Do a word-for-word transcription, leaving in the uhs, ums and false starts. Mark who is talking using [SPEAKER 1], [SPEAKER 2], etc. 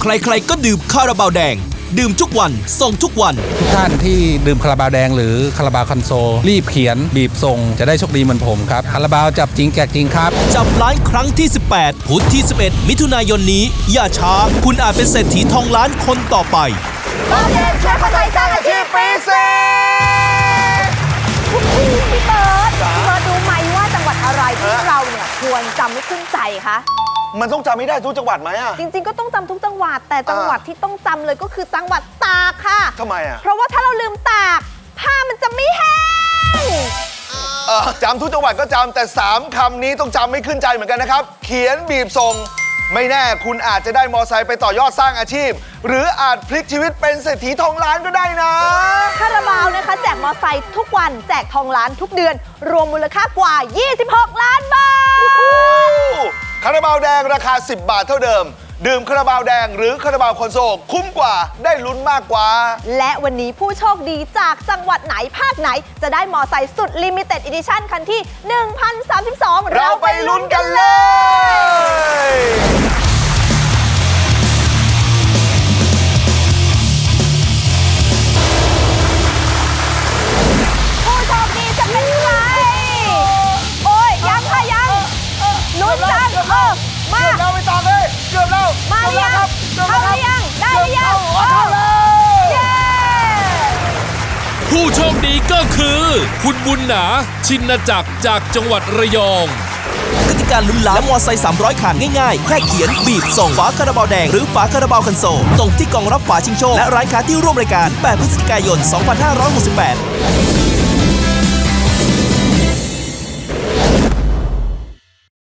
[SPEAKER 1] ใครๆก็ดื่มคาราบาวแดงดื่มทุกวันส่งทุกวัน
[SPEAKER 2] ทุกท่านที่ดื่มคาราบาวแดงหรือคาราบาวคอนโซลรีบเขียนบีบส่งจะได้โชคดีเหมือนผมครับคาราบาวจับจริงแจกจริงครับ
[SPEAKER 1] จับล้านครั้งที่สิบแปดพุธที่สิบเอ็ดมิถุนายนนี้อย่าช้าคุณอาจเป็นเศรษฐีทองล้านคนต่อไป
[SPEAKER 3] ตอนเย็นช่วยคนไทยสร้างอาชีพปีสี่พี่เบิร์ดพี่เบิร์ดรู้ไหมว่าจังหวัดอะไรที่เราเนี่ยควรจำไม่ขึ้นใจคะ
[SPEAKER 4] มันต้องจำไม่ได้ทุกจังหวัดไหมอ่ะ
[SPEAKER 3] จริงๆก็ต้องจำทุกจังหวัดแต่จังหวัดที่ต้องจำเลยก็คือจังหวัดตากค่ะ
[SPEAKER 4] ทำไมอ่ะ
[SPEAKER 3] เพราะว่าถ้าเราลืมตากผ้ามันจะไม่แห้ง
[SPEAKER 4] เออจำทุกจังหวัดก็จำแต่สามคำนี้ต้องจำไม่ขึ้นใจเหมือนกันนะครับเขียนบีบส่งไม่แน่คุณอาจจะได้มอไซค์ไปต่อยอดสร้างอาชีพหรืออาจพลิกชีวิตเป็นเศรษฐีทองล้านก็ได้นะ
[SPEAKER 3] คาราบาวนะคะแจกมอไซค์ทุกวันแจกทองล้านทุกเดือนรวมมูลค่ากว่ายี่สิบหกล้านบาท
[SPEAKER 4] คาราบาวแดงราคาสิบบาทเท่าเดิมดื่มคาราบาวแดงหรือคาราบาวคอนโซลคุ้มกว่าได้ลุ้นมากกว่า
[SPEAKER 3] และวันนี้ผู้โชคดีจากจังหวัดไหนภาคไหนจะได้มอไซค์สุดลิมิเต็ดอีดิชั่นคันที่หนึ่งพันสามสิบสอง
[SPEAKER 4] เราไปลุ้นกันเลย
[SPEAKER 3] ผู้โชคดีจะเป็นใครโอ้ยยังค่ะยังลุ้นจังเออมา
[SPEAKER 4] เกือบแล้วไปต่อเลยเกือบแล้ว
[SPEAKER 3] มาหรือยังเข้าหรือยังได้หรือยังเย้
[SPEAKER 1] ผู้โชคดีก็คือคุณบุญหนาชินจักรจากจังหวัดระยองกติกาลุ้นล้านและมอไซค์สามร้อยคันง่ายๆแค่เขียนบีบส่งฝาคาราบาวแดงหรือฝาคาราบาวคันโซลตรงที่กล่องรับฝาชิงโชคและร้านค้าที่ร่วมรายการแปดพฤศจิกายนสองพันห้าร้อยหกสิบแปด